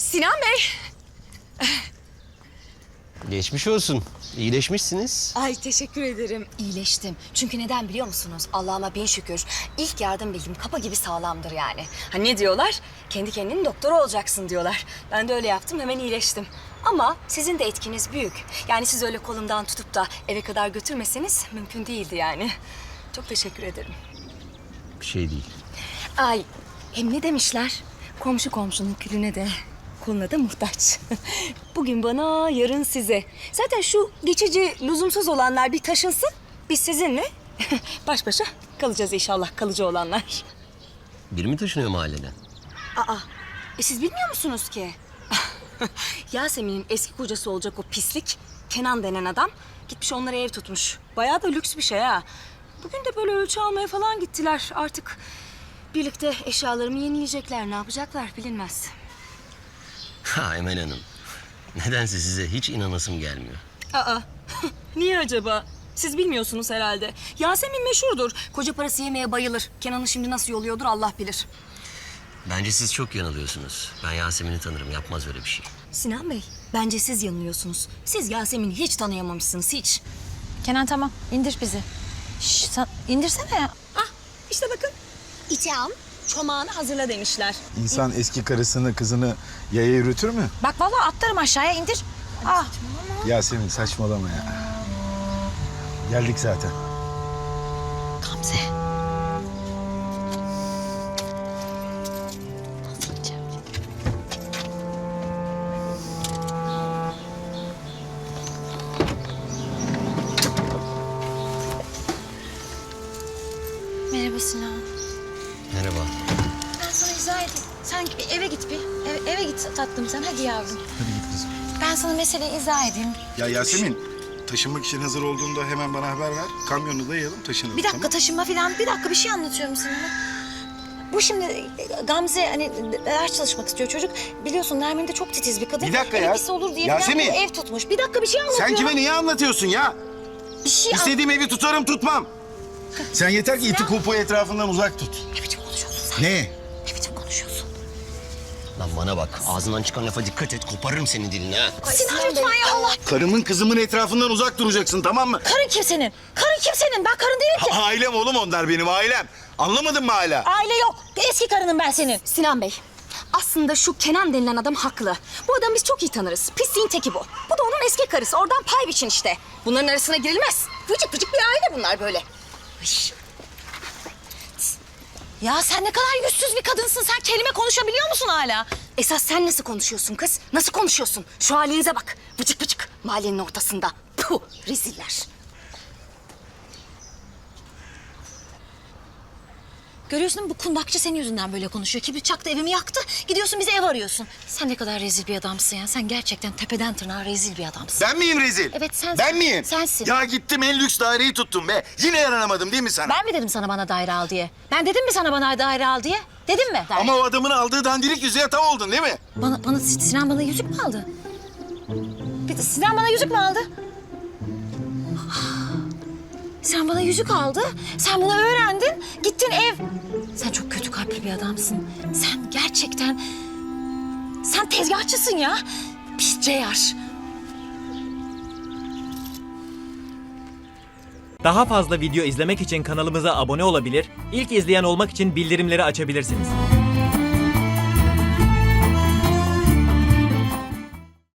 Sinan Bey. Geçmiş olsun. İyileşmişsiniz. Ay teşekkür ederim. İyileştim. Çünkü neden biliyor musunuz? Allah'ıma bin şükür. İlk yardım bilgim kapa gibi sağlamdır yani. Hani ne diyorlar? Kendi kendinin doktoru olacaksın diyorlar. Ben de öyle yaptım, hemen iyileştim. Ama sizin de etkiniz büyük. Yani siz öyle kolumdan tutup da eve kadar götürmeseniz mümkün değildi yani. Çok teşekkür ederim. Bir şey değil. Ay hem ne demişler? Komşu komşunun külüne de koluna da muhtaç. Bugün bana, yarın size. Zaten şu geçici, lüzumsuz olanlar bir taşınsın. Biz sizinle baş başa kalacağız inşallah, kalıcı olanlar. Biri mi taşınıyor mahalleden? Aa, siz bilmiyor musunuz ki? Yasemin'in eski kocası olacak o pislik, Kenan denen adam gitmiş onlara ev tutmuş. Bayağı da lüks bir şey ha. Bugün de böyle ölçü almaya falan gittiler. Artık birlikte eşyalarımı yenileyecekler. Ne yapacaklar bilinmez. Ha Emel Hanım. Nedense size hiç inanasım gelmiyor. Aa, niye acaba? Siz bilmiyorsunuz herhalde. Yasemin meşhurdur. Koca parası yemeye bayılır. Kenan'ı şimdi nasıl yoluyordur Allah bilir. Bence siz çok yanılıyorsunuz. Ben Yasemin'i tanırım. Yapmaz öyle bir şey. Sinan Bey, bence siz yanılıyorsunuz. Siz Yasemin'i hiç tanıyamamışsınız, hiç. Kenan tamam, indir bizi. Şş, sen indirsene ya. Ah, işte bakın. İtiam, çomağını hazırla demişler. İnsan eski karısını, kızını yaya yürütür mü? Bak vallahi atlarım aşağıya, indir. Ah, Yasemin saçmalama ya. Geldik zaten. Gamze. Merhaba Sinan. Merhaba. Ben sana izah edeyim. Sen bir eve git bir. Eve git tatlım sen. Hadi yavrum. Hadi git kızım. Ben sana meseleyi izah edeyim. Ya Yasemin, taşınmak için hazır olduğunda hemen bana haber ver. Kamyonu dayayalım, taşınalım. Bir dakika tamam? taşınma falan. Bir dakika bir şey anlatıyorum sana. Bu şimdi Gamze hani ders çalışmak istiyor çocuk. Biliyorsun Nermin de çok titiz bir kadın. Bir dakika ya. Pis olur diye falan Yasemin. bir ev tutmuş. Bir dakika bir şey anlatıyorum. Sen kime niye anlatıyorsun ya? Bir şey İstediğim evi tutarım, tutmam. Sen yeter ki iti kupu etrafından uzak tut. Ne biçim konuşuyorsun sen? Ne? Ne biçim konuşuyorsun? Lan bana bak. Ağzından çıkan lafa dikkat et. Koparırım senin dilini ha. Sinan lütfen ya Allah. Karımın kızımın etrafından uzak duracaksın, tamam mı? Karın kimsenin? Karın kimsenin? Ben karın değilim ki. Ailem oğlum onlar benim ailem. Anlamadın mı hala? Aile yok. Eski karının ben senin. Sinan Bey, aslında şu Kenan denilen adam haklı. Bu adamı biz çok iyi tanırız. Pisliğin teki bu. Bu da onun eski karısı. Oradan pay biçin işte. Bunların arasına girilmez. Vıcık vıcık bir aile bunlar böyle. Hış. Ya sen ne kadar yüzsüz bir kadınsın. Sen kelime konuşabiliyor musun hala? Esas sen nasıl konuşuyorsun kız? Nasıl konuşuyorsun? Şu halinize bak. Vıcık vıcık. Mahallenin ortasında. Puh, reziller. Görüyorsun değil mi? Bu kundakçı senin yüzünden böyle konuşuyor. Kibrit çaktı, evimi yaktı. Gidiyorsun bize ev arıyorsun. Sen ne kadar rezil bir adamsın ya. Sen gerçekten tepeden tırnağa rezil bir adamsın. Ben miyim rezil? Evet, sensin. Ben miyim? Sensin. Ya gittim en lüks daireyi tuttum be. Yine yaranamadım değil mi sana? Ben mi dedim sana bana daire al diye? Ben dedim mi sana bana daire al diye? Dedim mi? Ama o adamın aldığı dandirik yüzüğe tav oldun değil mi? Sinan bana yüzük mü aldı? Sinan bana yüzük mü aldı? Sen bana yüzük aldı. Sen bunu öğrendin. Gittin ev. Sen çok kötü kalpli bir adamsın. Sen gerçekten... Sen tezgahçısın ya. Pis ceyar. Daha fazla video izlemek için kanalımıza abone olabilir, ilk izleyen olmak için bildirimleri açabilirsiniz.